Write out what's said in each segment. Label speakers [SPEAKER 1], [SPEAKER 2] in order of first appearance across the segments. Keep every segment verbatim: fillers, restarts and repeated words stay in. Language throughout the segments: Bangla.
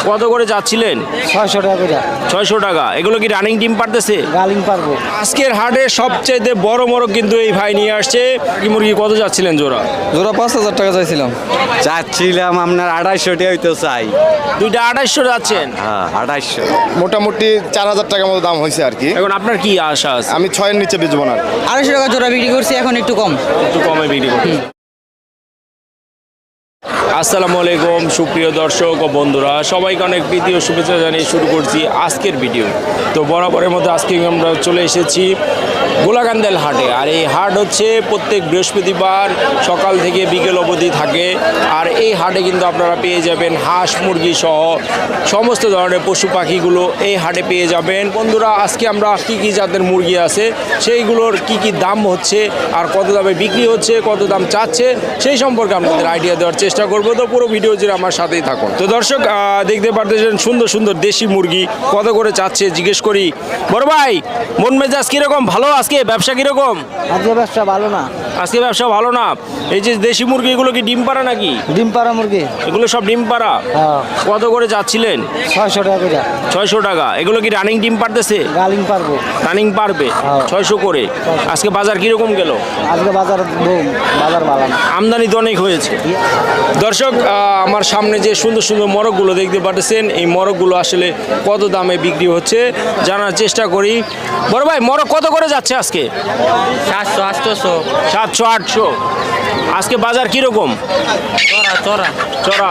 [SPEAKER 1] কত করে যাচ্ছিলেন?
[SPEAKER 2] ছয়শো টাকা করে।
[SPEAKER 1] ছয়শো টাকা। এগুলো কি রানিং ডিম পারতেছে?
[SPEAKER 2] রানিং পারবো।
[SPEAKER 1] আজকের হাটে সবচেয়ে বড় মোরগ কিন্তু এই ভাই নিয়ে আসছে। কি মুরগি কত যাচ্ছিলেন জোড়া?
[SPEAKER 3] জোড়া পাঁচ হাজার টাকা চাইছিলাম।
[SPEAKER 4] চাচ্ছিলাম আপনার আড়াইশো টাকা হইতে চাই।
[SPEAKER 1] দুইটা আড়াইশো যাচ্ছেন?
[SPEAKER 4] হ্যাঁ আড়াইশো।
[SPEAKER 5] মোটামুটি চার হাজার টাকার মতো দাম হয়েছে আর কি।
[SPEAKER 1] এখন আপনার কি আশা আছে?
[SPEAKER 5] আমি ছয়ের নিচে বেচবো না।
[SPEAKER 2] আড়াইশো টাকা জোড়া বিক্রি করছি, এখন একটু কম।
[SPEAKER 1] একটু কমে বিক্রি করছি। আসসালামু আলাইকুম সুপ্রিয় দর্শক ও বন্ধুরা, সবাইকে অনেক প্রীতি ও শুভেচ্ছা জানিয়ে শুরু করছি আজকের ভিডিও। তো বরাবরের মতো আজকে আমরা চলে এসেছি গোলাকান্দাল হাটে। আর এই হাট হচ্ছে প্রত্যেক বৃহস্পতিবার সকাল থেকে বিকেল অবধি থাকে। আর এই হাটে কিন্তু আপনারা পেয়ে যাবেন হাঁস মুরগি সহ সমস্ত ধরনের পশু পাখিগুলো এই হাটে পেয়ে যাবেন। বন্ধুরা, আজকে আমরা কী কী জাতের মুরগি আছে সেইগুলোর কি কি দাম হচ্ছে আর কত দামে বিক্রি হচ্ছে, কত দাম চাচ্ছে সেই সম্পর্কে আপনাদের আইডিয়া দেওয়ার চেষ্টা করবো। তো পুরো ভিডিও জুড়ে আমার সাথেই থাকুন। তো দর্শক দেখতে পারতেছেন সুন্দর সুন্দর দেশি মুরগি কত করে চাচ্ছে জিজ্ঞেস করি। বড় ভাই, মন মেজাজ কিরকম? ভালো? আজকে ব্যবসা কিরকম?
[SPEAKER 2] আজকে ব্যবসা ভালো না।
[SPEAKER 1] আজকে ব্যবসা ভালো না। এই যে দেশি মুরগি এগুলো কি ডিম পাড়া নাকি?
[SPEAKER 2] ডিম পাড়া মুরগি।
[SPEAKER 1] এগুলো সব ডিম পাড়া?
[SPEAKER 2] হ্যাঁ।
[SPEAKER 1] কত করে যাচ্ছিলেন?
[SPEAKER 2] ছয়শো টাকা করে।
[SPEAKER 1] ছয়শো টাকা। এগুলো কি রানিং ডিম পারতেছে?
[SPEAKER 2] রানিং পারবো।
[SPEAKER 1] রানিং পারবে?
[SPEAKER 2] হ্যাঁ।
[SPEAKER 1] ছয়শো করে। আজকে বাজার কিরকম গেল?
[SPEAKER 2] আজকে বাজার বুম, বাজার ভালো না।
[SPEAKER 1] আমদানি তো অনেক হয়েছে। দর্শক, আমার সামনে যে সুন্দর সুন্দর মোরগগুলো দেখতে পাচ্ছেন, এই মোরগগুলো আসলে কত দামে বিক্রি হচ্ছে জানার চেষ্টা করি। বড় ভাই, মোরগ কত করে যাচ্ছে আজকে?
[SPEAKER 2] সাতশো আটশোশো।
[SPEAKER 1] সাতশো আটশো। আজকে বাজার কিরকম?
[SPEAKER 2] চড়া চড়া
[SPEAKER 1] চড়া।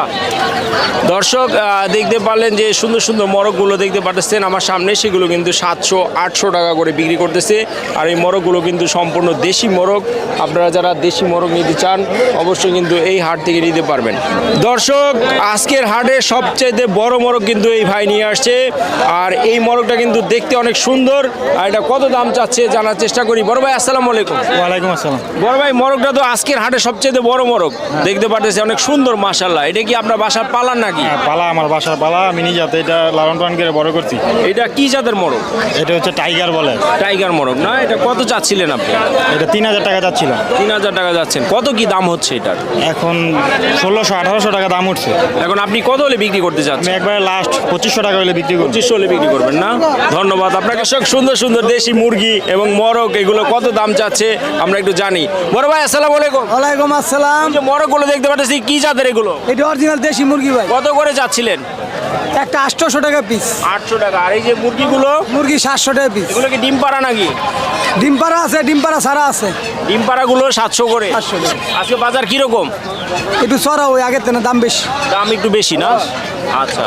[SPEAKER 1] দর্শক দেখতে পারলেন যে সুন্দর সুন্দর মোরগগুলো দেখতে পাচ্ছেন আমার সামনে, সেগুলো কিন্তু সাতশো আটশো টাকা করে বিক্রি করতেছে। আর এই মোরগগুলো কিন্তু সম্পূর্ণ দেশি মোরগ। আপনারা যারা দেশি মোরগ নিতে চান অবশ্যই কিন্তু এই হাট থেকে নিতে পারবেন। দর্শক, আজকের হাটে সবচেয়ে বড় মোরগ কিন্তু এই ভাই নিয়ে আসছে। আর এই মোরগটা কিন্তু দেখতে অনেক সুন্দর। আর এটা কত দাম চাচ্ছে জানার চেষ্টা করি। বড় ভাই আসসালামু আলাইকুম।
[SPEAKER 3] ওয়ালাইকুম আসসালাম।
[SPEAKER 1] বড় ভাই, মোরগটা তো আজকের হাটে সবচেয়ে বড় মোরগ দেখতে পাচ্ছি, অনেক সুন্দর মাশাআল্লাহ। এটা কি আপনার বাসার পালার নাকি?
[SPEAKER 3] পালা, আমার বাসার পালা। আমি নিজে হাতে এটা লালন পালন করে বড় করছি।
[SPEAKER 1] এটা কি জাতের মোরগ?
[SPEAKER 3] এটা হচ্ছে টাইগার বলে।
[SPEAKER 1] টাইগার মোরগ না? এটা কত চাচ্ছিলেন আপনি?
[SPEAKER 3] এটা তিন হাজার টাকা যাচ্ছিল।
[SPEAKER 1] তিন হাজার টাকা যাচ্ছেন। কত কি দাম হচ্ছে এটার?
[SPEAKER 3] এখন ষোলোশো আঠারোশো টাকা দাম উঠছে।
[SPEAKER 1] এখন আপনি কত হলে বিক্রি করতে
[SPEAKER 3] আমি
[SPEAKER 1] চাচ্ছেন?
[SPEAKER 3] একবারে লাস্ট পঁচিশশো টাকা হলে বিক্রি করছি।
[SPEAKER 1] পঁচিশশো হলে বিক্রি করবেন না? ধন্যবাদ আপনাকে। সব সুন্দর সুন্দর দেশি মুরগি এবং মোরগ এগুলো কত দাম চাচ্ছে আমরা একটু জানি। বড় ভাই আসসালামু আলাইকুম।
[SPEAKER 2] ওয়ালাইকুম আসসালাম।
[SPEAKER 1] যে মোরগগুলো দেখতে পাচ্ছি কি জাতের এগুলো?
[SPEAKER 2] এটা অরিজিনাল দেশি মুরগি ভাই।
[SPEAKER 1] কত করে যাচ্ছিলেন?
[SPEAKER 2] একটা আটশোশো টাকা পিস।
[SPEAKER 1] আটশো টাকা। আর এই যে মুরগিগুলো,
[SPEAKER 2] মুরগি সাতশো টাকা পিস।
[SPEAKER 1] এগুলো কি ডিম পাড়া নাকি?
[SPEAKER 2] ডিম পাড়া আছে, ডিম পাড়া ছাড়া আছে।
[SPEAKER 1] ডিম পাড়াগুলো সাতশো করে।
[SPEAKER 2] সাতশো টাকা।
[SPEAKER 1] আজকে বাজার কিরকম?
[SPEAKER 2] একটু চড়া, ওই আগের থেকে দাম বেশি।
[SPEAKER 1] দাম একটু বেশি না? আচ্ছা।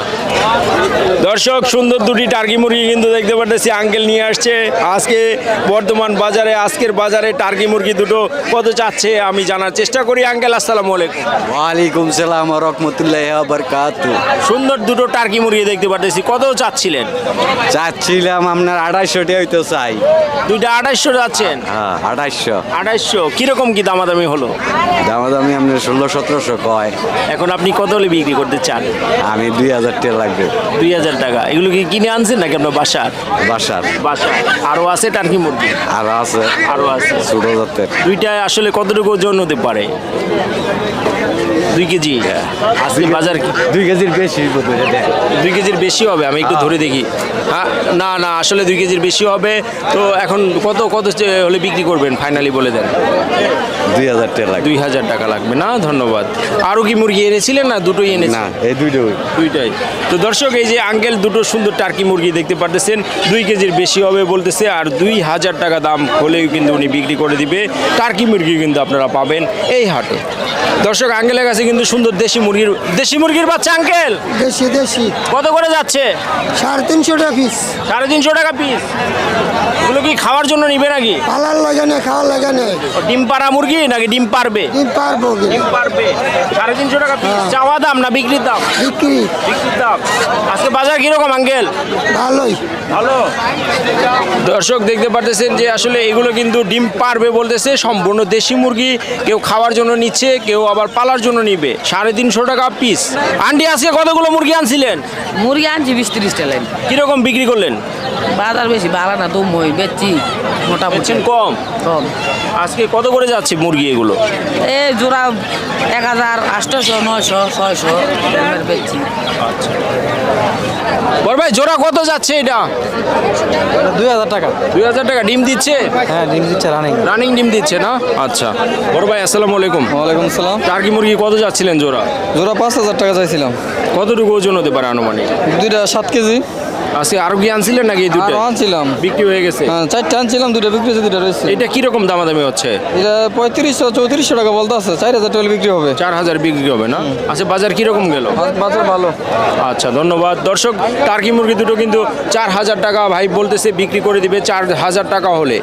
[SPEAKER 1] দর্শক, সুন্দর দুটি টার্কি মুরগি কিন্তু দেখতে পাচ্ছি আঙ্কেল নিয়ে আসছে আজকে বর্তমান বাজারে। আজকের বাজারে টার্কি মুরগি দুটো কত চাচ্ছে আমি জানার চেষ্টা করি। আঙ্কেল আসসালামু আলাইকুম।
[SPEAKER 4] ওয়ালাইকুম সালাম ওয়া রাহমাতুল্লাহি ওয়া বারাকাতুহু।
[SPEAKER 1] সুন্দর দুটো টার্কি মুরগি দেখতে পাচ্ছি, কত চাচ্ছিলেন?
[SPEAKER 4] চাচ্ছিলাম আপনার আড়াইশো টাকা হইতে চাই।
[SPEAKER 1] দুইটা আড়াইশো যাচ্ছেন?
[SPEAKER 4] হ্যাঁ আড়াইশো।
[SPEAKER 1] আড়াইশো। কিরকম কি দামাদামি হলো?
[SPEAKER 4] দামাদামি আপনার ষোলো সতেরোশো কয়।
[SPEAKER 1] এখন আপনি কত হলে বিক্রি করতে চান?
[SPEAKER 4] আমি দুই হাজার টাকা লাগবে।
[SPEAKER 1] দুই হাজার টাকা। এগুলো কি কিনে আনছেন নাকি আপনার বাসার?
[SPEAKER 4] বাসার।
[SPEAKER 1] বাসা। আরও আছে টার্কি মুরগি?
[SPEAKER 4] আর আছে।
[SPEAKER 1] আরও আছে।
[SPEAKER 4] ছোট জাতের।
[SPEAKER 1] দুইটায় আসলে কতটুকু ওজন হতে পারে? দুই কেজি। আজকে বাজার কি?
[SPEAKER 4] দুই কেজির বেশি বোধ হয় এটা।
[SPEAKER 1] দুই কেজির বেশি হবে? আমি একটু ধরে দেখি। হ্যাঁ, না না আসলে দুই কেজির বেশি হবে। তো এখন কত কত হলে বিক্রি করবেন ফাইনালি বলে দেন।
[SPEAKER 4] দুই হাজার টাকা লাগবে।
[SPEAKER 1] দুই হাজার টাকা লাগবে না? ধন্যবাদ। আরও কি মুরগি এনেছিলেন না দুটোই এনেছেন?
[SPEAKER 4] না, এই দুইটাই।
[SPEAKER 1] দুইটাই। তো দর্শক, এই যে আঙ্কেল দুটো সুন্দর টার্কি মুরগি দেখতে পারতেছেন, দুই কেজির বেশি হবে বলতেছে। আর দুই হাজার টাকা দাম হলেও কিন্তু উনি বিক্রি করে দিবে। টার্কি মুরগি কিন্তু আপনারা পাবেন এই হাটে। দর্শক, আঙ্কেলের কাছে কিন্তু সুন্দর দেশি মুরগির দেশি মুরগির বাচ্চা। আঙ্কেল
[SPEAKER 2] দেশি দেশি
[SPEAKER 1] কত করে যাচ্ছে?
[SPEAKER 2] সাড়ে তিনশো টাকা পিস।
[SPEAKER 1] সাড়ে তিনশো টাকা পিস। এগুলো কি খাওয়ার জন্য নিবে নাকি?
[SPEAKER 2] পালার লাগানে, খাওয়ার লাগানে।
[SPEAKER 1] ও, ডিম পাড়া মুরগি নাকি ডিম পারবে?
[SPEAKER 2] ডিম পারবো।
[SPEAKER 1] ডিম পারবে। সাড়ে তিনশো টাকা পিস। চাওয়া দাম না বিক্রির দাম?
[SPEAKER 2] বিক্রি।
[SPEAKER 1] বিক্রির দাম। আজকে বাজার কিরকম আঙ্কেল?
[SPEAKER 2] ভালোই।
[SPEAKER 1] ভালো। দর্শক দেখতে পারতেছেন যে আসলে এগুলো কিন্তু ডিম পারবে বলতেছে। সম্পূর্ণ দেশি মুরগি, কেউ খাওয়ার জন্য নিচ্ছে, কেউ আবার পালার জন্য নিবে। সাড়ে তিনশো টাকা পিস। আন্টি আজকে কতগুলো মুরগি আনছিলেন?
[SPEAKER 6] মুরগি আনছি বিশ তিরিশটা লাইন।
[SPEAKER 1] কিরকম বিক্রি করলেন?
[SPEAKER 6] বাজার বেশি ভালো না তুম হই বেচছি মোটামুটি
[SPEAKER 1] বেচছেন কম?
[SPEAKER 6] কম
[SPEAKER 1] আজকে কত করে যাচ্ছে মুরগি এগুলো?
[SPEAKER 6] এই জোড়া এক হাজার আটশোশো নয়শো ছয়শো এরকমের বেচছি।
[SPEAKER 1] বড় ভাই জোড়া কত যাচ্ছে এটা?
[SPEAKER 4] দুই হাজার টাকা।
[SPEAKER 1] দুই হাজার টাকা। ডিম দিচ্ছে?
[SPEAKER 4] হ্যাঁ ডিম দিচ্ছে রানিং।
[SPEAKER 1] রানিং ডিম দিচ্ছে না? আচ্ছা বড় ভাই আসসালামু আলাইকুম।
[SPEAKER 4] ওয়ালাইকুম আসসালাম।
[SPEAKER 1] টার্কি মুরগি কত যাচ্ছিলেন জোড়া?
[SPEAKER 4] জোড়া পাঁচ হাজার টাকা চাইছিলাম।
[SPEAKER 1] কতটুকু ওজন হতে পারে আনুমানিক?
[SPEAKER 4] দুইটা সাত কেজি।
[SPEAKER 1] আজকে আরো কি আনছিলেন নাকি এই দুটো
[SPEAKER 4] আরো আনছিলাম।
[SPEAKER 1] বিক্রি হয়ে গেছে?
[SPEAKER 4] হ্যাঁ চারটা আনছিলাম, দুইটা বিক্রি হয়েছে, দুইটা রয়েছে।
[SPEAKER 1] এটা কিরকম দামাদামি হচ্ছে?
[SPEAKER 4] এটা পঁয়ত্রিশশো চৌত্রিশশো টাকা বলতে আছে, চার হাজার টাকা বিক্রি হবে।
[SPEAKER 1] চার হাজার বিক্রি হবে না? আচ্ছা বাজার কিরকম গেল?
[SPEAKER 4] বাজার ভালো।
[SPEAKER 1] আচ্ছা ধন্যবাদ দর্শক। টার্কি মুরগি দুটো কিন্তু চার হাজার টাকা ভাই বলতেছে বিক্রি করে দিবে চার হাজার টাকা হলে।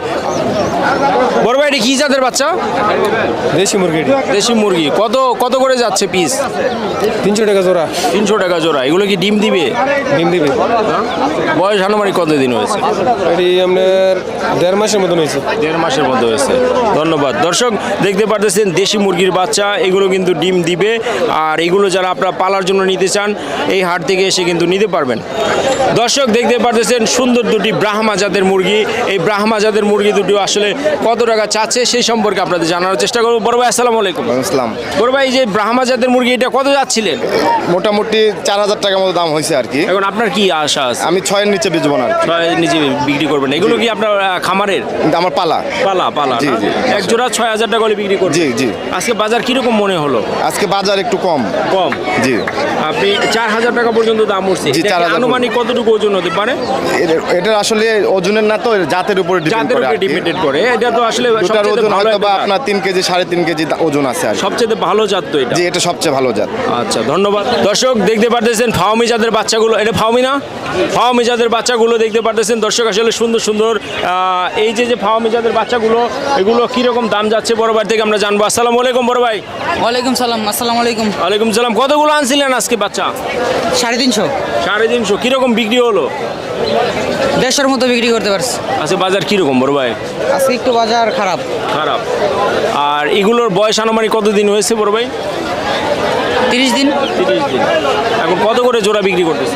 [SPEAKER 1] বড় ভাই এটা কি জাতের বাচ্চা?
[SPEAKER 3] দেশি মুরগি
[SPEAKER 1] দেশি মুরগি। কত কত করে যাচ্ছে পিস?
[SPEAKER 3] তিনশো টাকা জোড়া।
[SPEAKER 1] তিনশো টাকা জোড়া। এগুলো কি ডিম দিবে?
[SPEAKER 3] ডিম দিবে।
[SPEAKER 1] বয়স আনুমানিক কতদিন হয়েছে?
[SPEAKER 3] এটি আপনার দেড় মাসের মতন হয়েছে।
[SPEAKER 1] দেড় মাসের মধ্যে হয়েছে। ধন্যবাদ দর্শক। দেখতে পারতেছেন দেশি মুরগির বাচ্চা, এগুলো কিন্তু ডিম দিবে। আর এগুলো যারা আপনারা পালার জন্য নিতে চান এই হাট থেকে এসে কিন্তু নিতে পারবেন। দর্শক দেখতে পারতেছেন সুন্দর দুটি ব্রাহ্মা জাতের মুরগি। এই ব্রাহ্মা জাতের মুরগি দুটো আসলে কত টাকা চাচ্ছে সেই সম্পর্কে আপনাদের জানার চেষ্টা করবো। বড় ভাই আসসালামু আলাইকুম।
[SPEAKER 5] ইসলাম
[SPEAKER 1] বড় ভাই এই যে ব্রাহ্মা জাতের মুরগি এটা কত যাচ্ছিলেন?
[SPEAKER 5] মোটামুটি চার হাজার টাকার মতো দাম হয়েছে আর কি।
[SPEAKER 1] এখন আপনার কি আশা আছে?
[SPEAKER 5] আমি ছয়ের নিচে বেচবো না আর কি।
[SPEAKER 1] ছয় নিজে বিক্রি করবেন? এগুলো কি আপনার আহ, খামারের?
[SPEAKER 5] কিন্তু আমার পালা।
[SPEAKER 1] পালা পালা
[SPEAKER 5] জি,
[SPEAKER 1] না?
[SPEAKER 5] জি।
[SPEAKER 1] এক জোড়া ছয় হাজার টাকা করে বিক্রি করবেন?
[SPEAKER 5] জি জি।
[SPEAKER 1] আজকে বাজার কিরকম মনে হলো?
[SPEAKER 5] আজকে বাজার একটু কম।
[SPEAKER 1] কম?
[SPEAKER 5] জি।
[SPEAKER 1] আপনি চার হাজার টাকা পর্যন্ত দাম উঠছে।
[SPEAKER 5] জি,
[SPEAKER 1] এটা কি
[SPEAKER 5] চার হাজার
[SPEAKER 1] আনুমানিক কতটুকু ওজন হতে পারে?
[SPEAKER 5] এর- এটার আসলে ওজনের না তো এর জাতের উপরে ডিপেন্ড
[SPEAKER 1] জাতের
[SPEAKER 5] করে
[SPEAKER 1] উপরে
[SPEAKER 5] আর কি।
[SPEAKER 1] ডিপেন্ডেড করে। এটা তো আসলে
[SPEAKER 5] দুটার
[SPEAKER 1] সবচেয়ে
[SPEAKER 5] ওজন
[SPEAKER 1] ভালো
[SPEAKER 5] হয়তো
[SPEAKER 1] একটা
[SPEAKER 5] বা
[SPEAKER 1] জাত।
[SPEAKER 5] আপনার তিন কেজি সাড়ে তিন কেজি দা- ওজন আছে আর কি।
[SPEAKER 1] সবচেয়ে ভালো জাত তো এটা।
[SPEAKER 5] জি এটা সবচেয়ে ভালো জাত।
[SPEAKER 1] আচ্ছা ধন্যবাদ দর্শক। দেখতে পারতেছেন ফাওমি জাতের বাচ্চাগুলো। এটা ফাওমি না? ফাওমি জাতের বাচ্চাগুলো দেখতে পারতেছেন দর্শক। আসলে সুন্দর সুন্দর আহ, এই যে যে ফাওমি জাতের বাচ্চাগুলো এগুলো কিরকম দাম যাচ্ছে বড় ভাই থেকে আমরা জানবো। আসসালামু আলাইকুম বড় ভাই।
[SPEAKER 6] ওয়ালাইকুম সালাম। আসসালামু আলাইকুম।
[SPEAKER 1] ওয়ালাইকুম সালাম। কতগুলো আনছিলেন আজকে বাচ্চা?
[SPEAKER 6] সাড়ে তিনশো
[SPEAKER 1] সাড়ে তিনশো। কিরকম বিক্রি হলো?
[SPEAKER 6] দেড়শোর মতো বিক্রি করতে পারছি।
[SPEAKER 1] আচ্ছা বাজার কিরকম বড় ভাই?
[SPEAKER 6] আজকে একটু বাজার খারাপ।
[SPEAKER 1] খারাপ। আর এগুলোর বয়স আনুমানিক কতদিন হয়েছে বড় ভাই?
[SPEAKER 6] তিরিশ দিন।
[SPEAKER 1] তিরিশ দিন। এখন কত করে জোড়া বিক্রি করতেছে?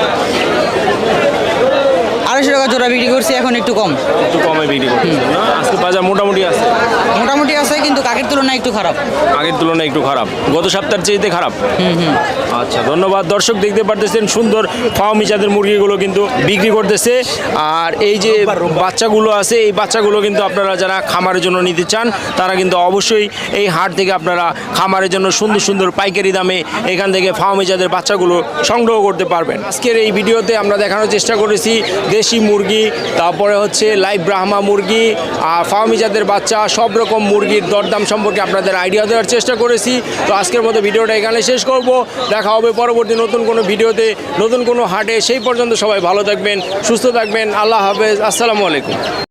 [SPEAKER 6] আড়াইশো টাকা জোড়া বিক্রি করছি, এখন একটু কম।
[SPEAKER 1] একটু কমে বিক্রি করতেছে না? আজকে বাজার মোটামুটি আছে?
[SPEAKER 6] মোটামুটি আছে কিন্তু কাকের তুলনায় একটু খারাপ।
[SPEAKER 1] আগের তুলনায় একটু খারাপ। গত সপ্তাহের চেয়েতে খারাপ? আচ্ছা ধন্যবাদ দর্শক। দেখতে পারতেছেন সুন্দর ফার্মি জাতের মুরগিগুলো কিন্তু বিক্রি করতেছে। আর এই যে বাচ্চাগুলো আছে এই বাচ্চাগুলো কিন্তু আপনারা যারা খামারের জন্য নিতে চান তারা কিন্তু অবশ্যই এই হাট থেকে আপনারা খামারের জন্য সুন্দর সুন্দর পাইকারি দামে এখান থেকে ফার্মি জাতের বাচ্চাগুলো সংগ্রহ করতে পারবেন। আজকের এই ভিডিওতে আমরা দেখানোর চেষ্টা করেছি দেশি মুরগি, তারপরে হচ্ছে লাইভ ব্রাহ্মা মুরগি আর ফার্মি জাতের বাচ্চা, সব রকম মুরগির দরদাম সম্পর্কে আপনাদের আইডিয়া দেওয়ার চেষ্টা করেছি। তো আজকের মতো ভিডিওটা এখানে শেষ করব। দেখা হবে পরবর্তী নতুন কোনো ভিডিওতে, নতুন কোনো হাটে। সেই পর্যন্ত সবাই ভালো থাকবেন, সুস্থ থাকবেন। আল্লাহ হাফেজ। আসসালামু আলাইকুম।